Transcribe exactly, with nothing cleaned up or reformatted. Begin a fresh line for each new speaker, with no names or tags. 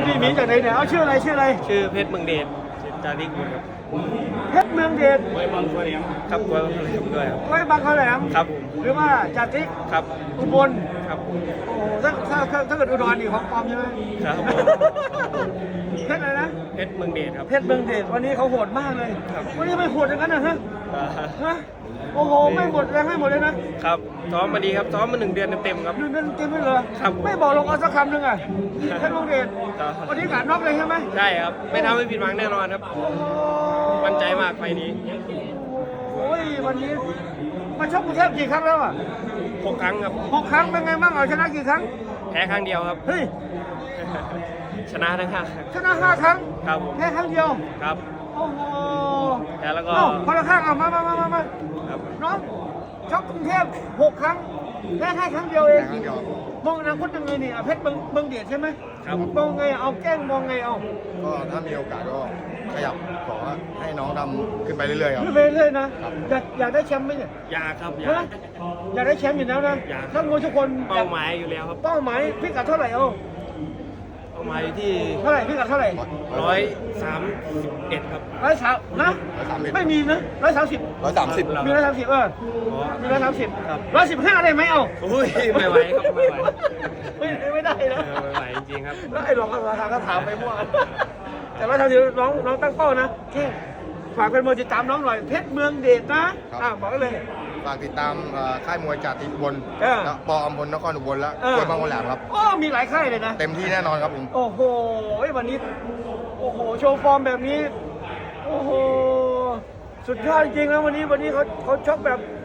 พี่หมีจากไหนเนี่ยเอาชื่ออะไรชื่ออะไร
ชื่อเพชรเมืองเดชจาริกบุญครับ
เพชรเมืองเดช
ไว้บางข้อแหลมครับไว้บางข้อแหลมด้วยครับ
ไว้บางข้าวแหลม
ครับผม
หรือว่าจาติก
ครับ
อุบล
ครับผม
โอ้โหถ้าถ้าถ้าถ้าเกิดอุดรนี่ของปลอมใช่ไหม
ครับผม
เพชรอะไรนะ
เพชรเมืองเดชครับ
เพชรเมืองเดชวันนี้เขาโหดมากเลย
ครับ
วันนี้ไม่โหดอย่างนั้นนะฮะ
อ่า
ฮะโอ้โหไม่หมดแรงให้หมดเลยนะครับ
ซ้อมมาดีครับซ้อมมาหนึ่งเดือนเต็มๆครับ
ดูนั่นเต็มไปเลย
ครับ
ไม่บอกลงเอาสักคำหนึ่งอ่ะเพชรเมืองเดช
ครับ
วันนี้การน็อกเลยใช่ไหม
ใช่ครับไม่ทำให้ผิดหวังแน่นอนครับ
โอ้โห
มั่นใจมากไฟล์นี้
โอ้ยวันนี้มาชกกรุงเทพกี่ครั้งแล้วอ่ะ
หกครั้งครับ
หกครั้งเป็นไงบ้างเอาชนะกี่ครั้ง
แพ้ครั้งเดียวครับ
เฮ้ย
ชนะทั้งห้าครั้ง
ชนะห้าครั้ง
ครับผม
แค่ครั้งเดียว
ครับ
โอ้โห
แพ้แล้วก็
เอ้าคนละข้างเอามามามามามา
ครับ
น้องชกกรุงเทพหกครั้งแค่แค่ครั้งเดียวเอง
ครั้งเดียว
มองอนาคตยังไงนี่อ่ะเพชรเบิงเบิงเดียดใช่ไหม
ครับ
มองไงเอาแกล้งมองไงเอา
ก็ถ้ามีโอกาสก็ขยับขอให้น้องดำขึ้นไปเรื่อยๆครับ
ขึ้นไปเรื่อยๆนะครับ อยากอยากได้แชมป์ไหมเนี่ย
อยากครับอยา
ฮะ
ก
อยากได้แชมป์อยู่แล้วนะ
อยาก
นักมวยทุกคน
เป้าหมายอยู่แล้วครับ
เป้าหมายพิกัดเท่าไหร่เอา
เป้าหมายอยู่ที่
เท่าไหร่พิกัดเท่าไหร่
ร้อยสามสิบเอ็ดครับ
ร้อยสามนะ
ร้อยสามสิบ
ไม่มีนะร้อยสามสิบ
ร้อยสามสิบ
มีร้อยสามสิบเออ
อ๋อ
มีร้อยสามสิบ
ครับ
ร้อยสิบห้าได้ไหมเอา
อุ้ยไม่ไหวครับไม่ไหว
ไม่ไม่ได้
เอ
นะ
อไม่ไหวจริงๆครับ
แล้วไอ้หลอกราคาก็ถามไปมั่วแต่ร้อยสามสิบน้องน้องตั้งเป้านะแค่ฝากเป็นมือติดตามน้องหน่อยเพชรเมืองเดชนะอ่ะบอกกันเลย
ฝากติดตามเอ่อค่ายมวยจากติอุบล
เออ
และปออมพลนครอุบลและ
เออ
กล้วยบางคนแหลมครับ
โอ้มีหลายค่ายเลยนะ
เต็มที่แน่นอนครับผม
โอ้โหวันนี้โอ้โหโชว์ฟอร์มแบบนี้โอ้โหสุดยอดจริงๆนะวันนี้วันนี้เขาเขาชกแบบ